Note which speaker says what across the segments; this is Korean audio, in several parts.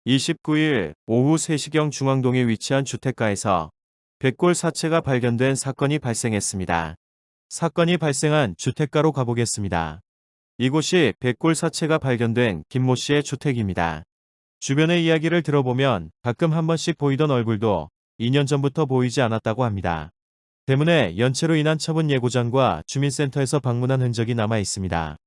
Speaker 1: 29일 오후 3시경 중앙동에 위치한 주택가에서 백골 사체가 발견된 사건이 발생했습니다. 사건이 발생한 주택가로 가보겠습니다. 이곳이 백골 사체가 발견된 김모 씨의 주택입니다. 주변의 이야기를 들어보면 가끔 한 번씩 보이던 얼굴도 2년 전부터 보이지 않았다고 합니다. 때문에 연체로 인한 처분 예고장과 주민센터에서 방문한 흔적이 남아 있습니다.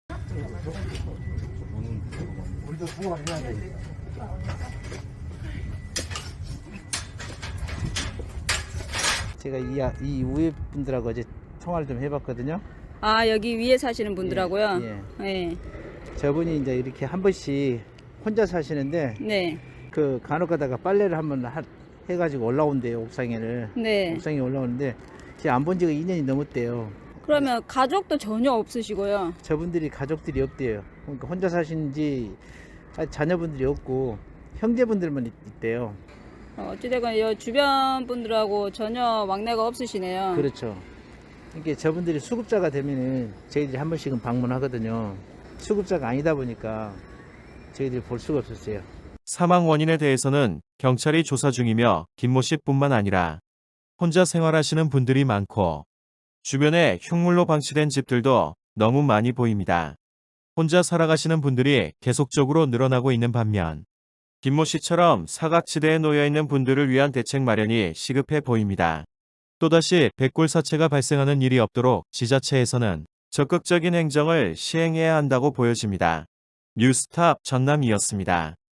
Speaker 2: 제가 이 우회 분들하고 어제 통화를 좀 해봤거든요.
Speaker 3: 아, 여기 위에 사시는 분들하고요?
Speaker 2: 예.
Speaker 3: 네.
Speaker 2: 저분이 이제 이렇게 한 번씩 혼자 사시는데
Speaker 3: 네.
Speaker 2: 그 간혹 가다가 빨래를 한번 해가지고 올라온대요. 옥상에를.
Speaker 3: 네.
Speaker 2: 옥상에 올라오는데 제가 안 본 지가 2년이 넘었대요.
Speaker 3: 그러면 가족도 전혀 없으시고요?
Speaker 2: 저분들이 가족들이 없대요. 그러니까 혼자 사시는지 자녀분들이 없고 형제분들만 있대요.
Speaker 3: 어찌되건 이 주변 분들하고 전혀 왕래가 없으시네요.
Speaker 2: 그렇죠. 이게 저분들이 수급자가 되면은 저희들이 한 번씩은 방문하거든요. 수급자가 아니다 보니까 저희들이 볼 수가 없었어요.
Speaker 1: 사망 원인에 대해서는 경찰이 조사 중이며 김모 씨뿐만 아니라 혼자 생활하시는 분들이 많고 주변에 흉물로 방치된 집들도 너무 많이 보입니다. 혼자 살아가시는 분들이 계속적으로 늘어나고 있는 반면 김모 씨처럼 사각지대에 놓여있는 분들을 위한 대책 마련이 시급해 보입니다. 또다시 백골 사체가 발생하는 일이 없도록 지자체에서는 적극적인 행정을 시행해야 한다고 보여집니다. 뉴스탑 전남이었습니다.